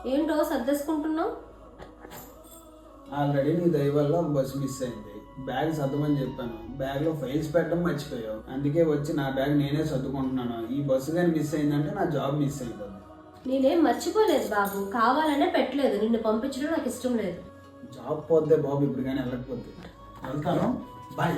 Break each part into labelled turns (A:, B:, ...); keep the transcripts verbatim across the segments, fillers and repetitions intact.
A: ఏంటో సర్దేసుకుంటున్నావు?
B: ఆల్రెడీ నీ దయ వల్ల ఒక బస్సు మిస్ అయింది. బ్యాగ్ సర్దమని చెప్పాను, బ్యాగ్ లో ఫైల్స్ పెట్టడం మర్చిపోయావు. అందుకే వచ్చి నా బ్యాగ్ నేనే సర్దుకుంటున్నాను. ఈ బస్సు కానీ మిస్ అయిందంటే నా జాబ్ మిస్ అయిపోతుంది.
A: నేనేం మర్చిపోలేదు బాబు, కావాలనే పెట్టలేదు. నిన్ను పంపించడం నాకు ఇష్టం లేదు.
B: జాబ్ పోతే బాబు, ఇప్పుడు కానీ వెళ్ళకపోతే వెళ్తాను. బాయ్.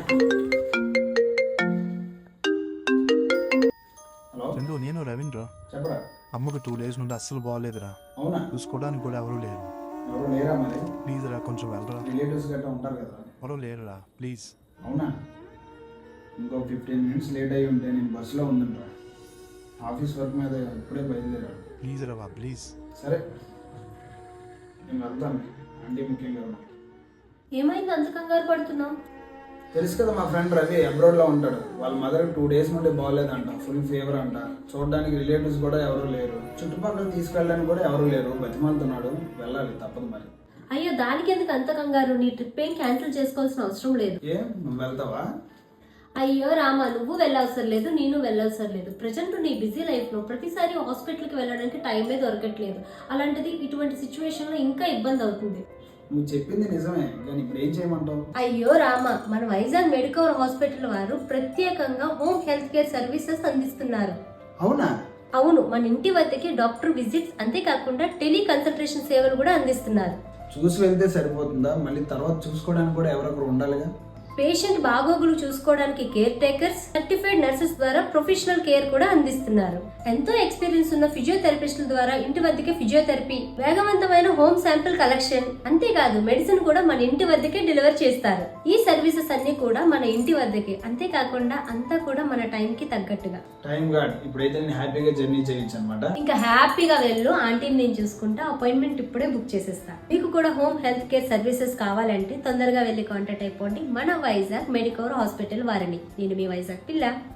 B: హలో
C: చందు, నేను రవీంద్ర.
B: చెప్పరా.
C: అమ్మకు టూ డేస్ నుండి అస్సలు బాగోలేదురా.
B: అవునా?
C: చూసుకోవడానికి కూడా ఎవరు లేరు.
B: ఎవరు లేరా? మరి
C: ప్లీజ్ రా, కొంచెం వెళ్ళరా.
B: రిలేటివ్స్ గట్రా ఉంటారు కదా.
C: ఎవరు లేరురా, ప్లీజ్.
B: అవునా? ఇంకో ఫిఫ్టీన్ మినిట్స్ లేట్ అయ్యి ఉంటే నేను బస్సులో ఉందంటా. ఆఫీస్ వర్క్ మీద ఇప్పుడే బయలుదేరాడు.
C: ప్లీజ్ రా, ప్లీజ్.
B: సరే నేను వెళ్తాను. అంటే ముఖ్యంగా
A: ఏమైంది అంత కంగారు పడుతున్నావు?
B: తెలుసు కదా, మా ఫ్రెండ్ రవి అబ్రాడ్లో ఉంటాడు. వాళ్ళ మదర్ టూ డేస్ నుండి బాగోలేదంట, ఫుల్ ఫీవర్ అంట. చూడడానికి రిలేటివ్స్ కూడా ఎవరు లేరు, చుట్టుపక్కల తీసుకెళ్ళడానికి కూడా ఎవరు లేరు. బతిమాలుతున్నాడు. వెళ్ళాలి, తప్పదు మరి.
A: అయ్యో, దానికి ఎందుకు అంత కంగారు? నీ ట్రిప్ ఏం క్యాన్సిల్ చేసుకోవాల్సిన అవసరం లేదు.
B: ఏ, నువ్వు వెళ్తావా?
A: అయ్యో రామా, నువ్వు వెళ్ళవసరం లేదు, నేను వెళ్ళవసరం లేదు. ప్రజెంట్ నీ బిజీ లైఫ్ లో ప్రతిసారి హాస్పిటల్కి వెళ్ళడానికి టైమే దొరకట్లేదు. అలాంటిది ఇటువంటి సిచ్యువేషన్ లో ఇంకా ఇబ్బంది అవుతుంది.
B: నువ్వు చెప్పింది నిజమే, కానీ ఇప్పుడు ఏం చేయమంటావు?
A: అయ్యో రామ, మన వైజాగ్ మెడికవర్ హాస్పిటల్ వారు ప్రత్యేకంగా హోమ్ హెల్త్ కేర్ సర్వీసెస్ అందిస్తున్నారు.
B: అవునా?
A: అవును, మన ఇంటి వద్దకి డాక్టర్ విజిట్స్, అంతేకాకుండా టెలి కన్సల్టేషన్ సేవలు కూడా అందిస్తున్నారు.
B: చూసి వెళ్తే సరిపోతుందా? మళ్ళీ తర్వాత చూసుకోవడానికి కూడా ఎవరొకరు ఉండాలిగా.
A: పేషెంట్ బాగోగులు చూసుకోవడానికి కేర్ టేకర్స్, సర్టిఫైడ్ నర్సెస్ ద్వారా ప్రొఫెషనల్ కేర్ కూడా అందిస్తున్నారు. ఎంతో ఎక్స్పీరియన్స్ ఉన్న ఫిజియోథెరపిస్టుల ద్వారా ఇంటి వద్దకే ఫిజియోథెరపీ, వేగవంతమైన హోమ్ శాంపిల్ కలెక్షన్, అంతేకాదు మెడిసిన్ కూడా మన ఇంటి వద్దకే డెలివర్ చేస్తారు. ఈ సర్వీసెస్ అన్ని కూడా మన ఇంటి వద్దకే, అంతేకాకుండా అంతా కూడా మన టైం కి తగ్గట్టుగా.
B: టైం గాడ్, ఇప్పుడైతే నేను హ్యాపీగా జర్నీ చేయొచ్చు అనమాట.
A: ఇంకా హ్యాపీగా వెళ్ళు, ఆంటీని నేను చూసుకుంటా. అపాయింట్మెంట్ ఇప్పుడే బుక్ చేసేస్తా. మీకు కూడా హోమ్ హెల్త్ కేర్ సర్వీసెస్ కావాలంటే తొందరగా వెళ్ళి కాంటాక్ట్ అయిపోండి మన వైజాగ్ మెడికవర్ హాస్పిటల్ వారిని. నేను మీ వైజాగ్ పిల్ల.